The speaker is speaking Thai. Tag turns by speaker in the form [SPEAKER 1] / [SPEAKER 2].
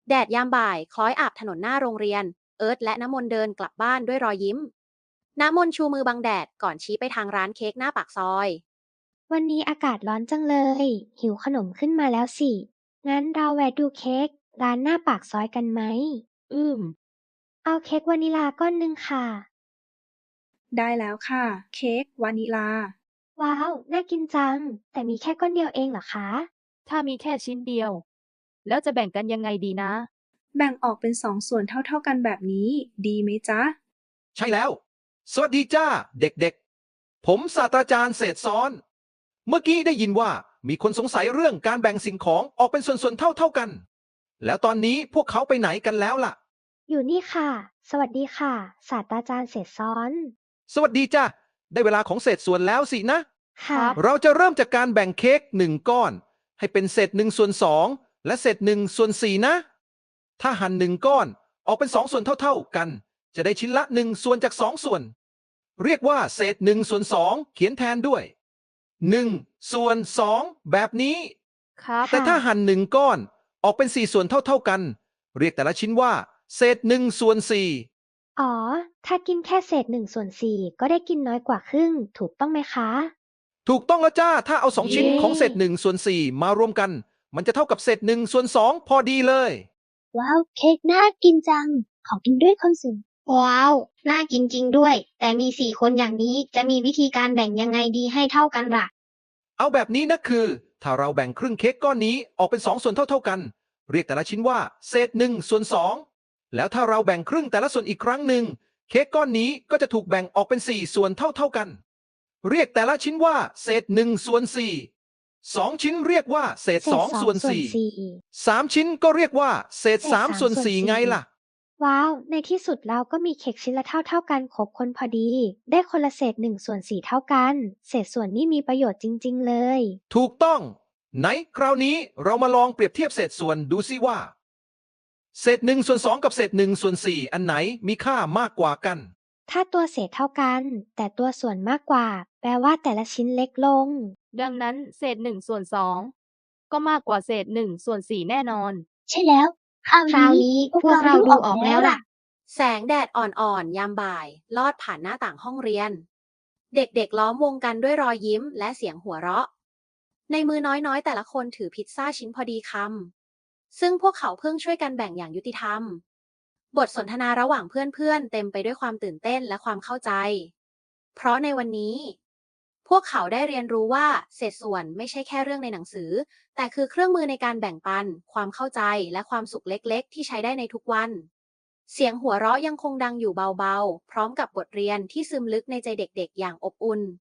[SPEAKER 1] แดดยามบ่ายคล้อยอาบถนนหน้าโรงเรียนเอิร์ธและน้ำมนต์เดินกลับบ้านด้วยรอยยิ้มน้ำมนต์ชูมือบังแดดก่อนชี้ไปทางร้านเค้กหน้าปากซอย
[SPEAKER 2] วันนี้อากาศร้อนจังเลย หิวขนมขึ้นมาแล้วสิ งั้นเราแวะดูเค้กร้านหน้าปากซอยกันไหม
[SPEAKER 3] อืม
[SPEAKER 2] เอาเค้กวานิลาก้อนหนึ่งค่ะ
[SPEAKER 3] ได้แล้วค่ะเค้กวานิลา
[SPEAKER 2] ว้าว น่ากินจัง แต่มีแค่ก้อนเดียวเองเหรอคะ
[SPEAKER 4] ถ้ามีแค่ชิ้นเดียวแล้วจะแบ่งกันยังไงดีนะ
[SPEAKER 3] แบ่งออกเป็น2 ส่วนเท่าๆกันแบบนี้ดีไหมจ๊ะ
[SPEAKER 5] ใช่แล้ว สวัสดีจ้าเด็กๆ ผมศาสตราจารย์เศรษฐซ้อน เมื่อกี้ได้ยินว่ามีคนสงสัยเรื่องการแบ่งสิ่งของออกเป็นส่วนๆเท่าๆกัน แล้วตอนนี้พวกเขาไปไหนกันแล้วล่ะ
[SPEAKER 2] อยู่นี่ค่ะ สวัสดีค่ะ ศาสตราจารย์เศรษฐซ้อน
[SPEAKER 5] สวัสดีจ้าได้เวลาของเศษส่วนแล้วสินะ
[SPEAKER 2] ค่ะ
[SPEAKER 5] เราจะเริ่มจากการแบ่งเค้ก1 ก้อนให้เป็นเศษ1/2และเศษ1/4นะ ถ้าหั่น1 ก้อนออกเป็น2 ส่วนเท่าๆกัน จะได้ชิ้นละ1 ส่วนจาก2 ส่วน เรียกว่าเศษ1/2เขียนแทนด้วย1/2แบบนี้
[SPEAKER 4] ครับ
[SPEAKER 5] แต่ถ้าหั่น1 ก้อนออกเป็น4 ส่วนเท่าๆกัน เรียกแต่ละชิ้นว่าเศษ1/4
[SPEAKER 2] อ๋อ ถ้ากินแค่เศษ1/4ก็ได้กินน้อยกว่าครึ่ง ถูกต้องไหมคะ
[SPEAKER 5] ถูกต้องแล้วจ้า ถ้าเอา2 ชิ้นของเศษ1/4มารวมกัน มันจะเท่ากับเศษ1/2พอดีเลย
[SPEAKER 6] ว้าว เค้กน่ากินจัง ขอกินด้วยคนสิว้าว น่ากินจริงด้วย แต่มี4 คนอย่างนี้จะมีวิธีการแบ่งยังไงดีให้เท่ากันล่ะ
[SPEAKER 5] เอาแบบนี้นะคือ ถ้าเราแบ่งครึ่งเค้กก้อนนี้ออกเป็น2 ส่วนเท่าๆกัน เรียกแต่ละชิ้นว่าเศษ1/2แล้วถ้าเราแบ่งครึ่งแต่ละส่วนอีกครั้งหนึ่งเค้กก้อนนี้ก็จะถูกแบ่งออกเป็น4 ส่วนเท่าๆกัน เรียกแต่ละชิ้นว่าเศษ1/4 2 ชิ้นเรียกว่าเศษ
[SPEAKER 2] เศษ
[SPEAKER 5] 2/4
[SPEAKER 2] 2/4
[SPEAKER 5] 3 ชิ้นก็เรียกว่าเศษ
[SPEAKER 2] เศษ
[SPEAKER 5] 3/4ไงล่ะ
[SPEAKER 2] ว้าว ในที่สุดเราก็มีเค้กชิ้นละเท่ากันครบคนพอดี ได้คนละเศษ1/4เท่ากัน เศษส่วนนี่มีประโยชน์จริงๆเลย
[SPEAKER 5] ถูกต้อง ไหนคราวนี้เรามาลองเปรียบเทียบเศษส่วนดูซิว่า เศษ1/2กับเศษ1/4อันไหนมีค่ามากกว่ากัน
[SPEAKER 2] ถ้าตัวเศษเท่ากัน แต่ตัวส่วนมากกว่า แปลว่าแต่ละชิ้นเล็กลง
[SPEAKER 4] ดังนั้นเศษ1/2ก็มากกว่าเศษ1/4แน่นอน
[SPEAKER 6] ใช่แล้ว คราวนี้พวกเราดูออกแล้วล่ะ
[SPEAKER 1] แสงแดดอ่อนๆยามบ่ายลอดผ่านหน้าต่างห้องเรียนเด็กๆล้อมวงกันด้วยรอยยิ้มและเสียงหัวเราะในมือน้อยๆแต่ละคนถือพิซซ่าชิ้นพอดีคำซึ่งพวกเขาเพิ่งช่วยกันแบ่งอย่างยุติธรรมบทสนทนาระหว่างเพื่อนๆเต็มไปด้วยความตื่นเต้นและความเข้าใจเพราะในวันนี้พวกเขาได้เรียนรู้ว่าเศษส่วนไม่ใช่แค่เรื่องในหนังสือแต่คือเครื่องมือในการแบ่งปันความเข้าใจและความสุขเล็กๆที่ใช้ได้ในทุกวันเสียงหัวเราะยังคงดังอยู่เบาๆพร้อมกับบทเรียนที่ซึมลึกในใจเด็กๆอย่างอบอุ่น